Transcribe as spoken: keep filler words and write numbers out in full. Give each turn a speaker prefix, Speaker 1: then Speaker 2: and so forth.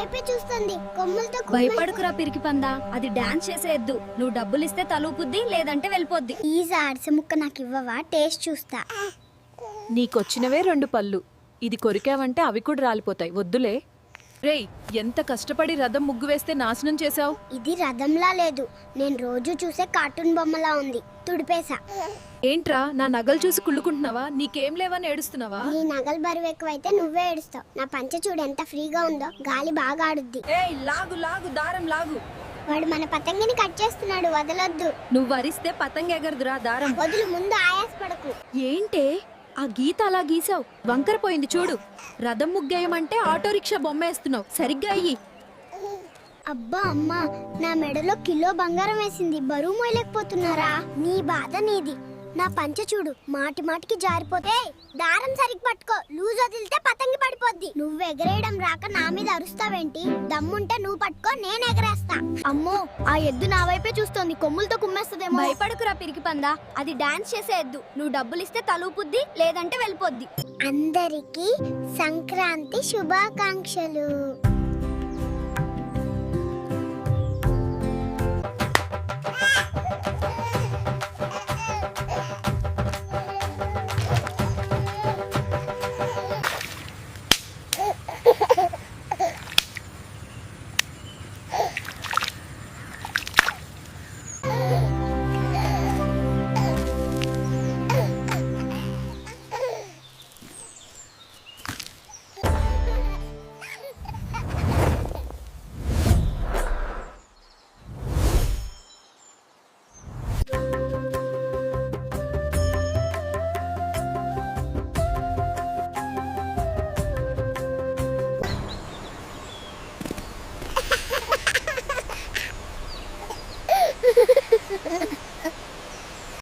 Speaker 1: వైపే చూస్తుంది కొమ్ములతో.
Speaker 2: భయపడుకురా పిరికి పందా, అది డాన్స్ చేసే ఎద్దు. నువ్వు డబ్బులు ఇస్తే తలూపుద్ది, లేదంటే వెళ్ళిపోద్ది.
Speaker 1: ప్లీజ్ అరస ముక్క నాకు ఇవ్వవా, టేస్ట్ చూస్తా.
Speaker 3: నీకొచ్చినవే రెండు పళ్ళు, ఇది కొరికావంటే అవి కూడా రాలిపోతాయి, వద్దులే. రేయ్, ఎంత కష్టపడి రథం ముగ్గు వేస్తే నాశనం చేశావు.
Speaker 1: ఇది రథంలా లేదు, నేను రోజు చూసే కార్టూన్ బొమ్మలా ఉంది, తుడిపేసా.
Speaker 3: ఏంట్రా, నా నగలు చూసి కుళ్ళుకుంటున్నావా? నీకేం లేవని ఏడుస్తున్నావా?
Speaker 1: నీ నగలు బరువు ఎక్కువైతే నువ్వే ఏడుస్తావు. నా పంచ చూడు ఎంత ఫ్రీగా ఉందో, గాలి బాగా ఆడుద్ది.
Speaker 2: ఏయ్ లాగు లాగు, దారం లాగు.
Speaker 1: వాడు మన పతంగిని కట్ చేస్తున్నాడు, వదలొద్దు.
Speaker 2: నువ్వు వరిస్తే పతంగ ఎగరదురా, దారం
Speaker 1: వదులు, ముందు ఆయాస పడకు.
Speaker 2: ఏంటే ఆ గీత అలా గీసావు? వంకరపోయింది చూడు. రథం ముగ్గేయమంటే ఆటో రిక్షా బొమ్మ వేస్తున్నావు, సరిగ్గా అయ్యి.
Speaker 1: అబ్బా అమ్మా, నా మెడలో కిలో బంగారం వేసింది, బరువు మోయలేకపోతున్నారా? నీ బాధ నీది. నా పంచ చూడు, మాటి మాటికి జారిపోతే. దారం సరిగ్గా పట్టుకో, లూజ్ వదిలితే పతంగి పడిపోద్ది. నువ్వు ఎగరేయడం రాక నా మీద అరుస్తావేంటి? దమ్ముంటే నువ్వు పట్టుకో, నేను ఎగరేస్తా.
Speaker 2: అమ్మో, ఆ ఎద్దు నా వైపే చూస్తోంది, కొమ్ములతో కుమ్మేస్తుందేమో. భయపడుకురా పిరికి పందా, అది డాన్స్ చేసే ఎద్దు. నువ్వు డబ్బులు ఇస్తే తలూపుద్ది, లేదంటే వెళ్ళిపోద్ది.
Speaker 1: అందరికీ సంక్రాంతి శుభాకాంక్షలు.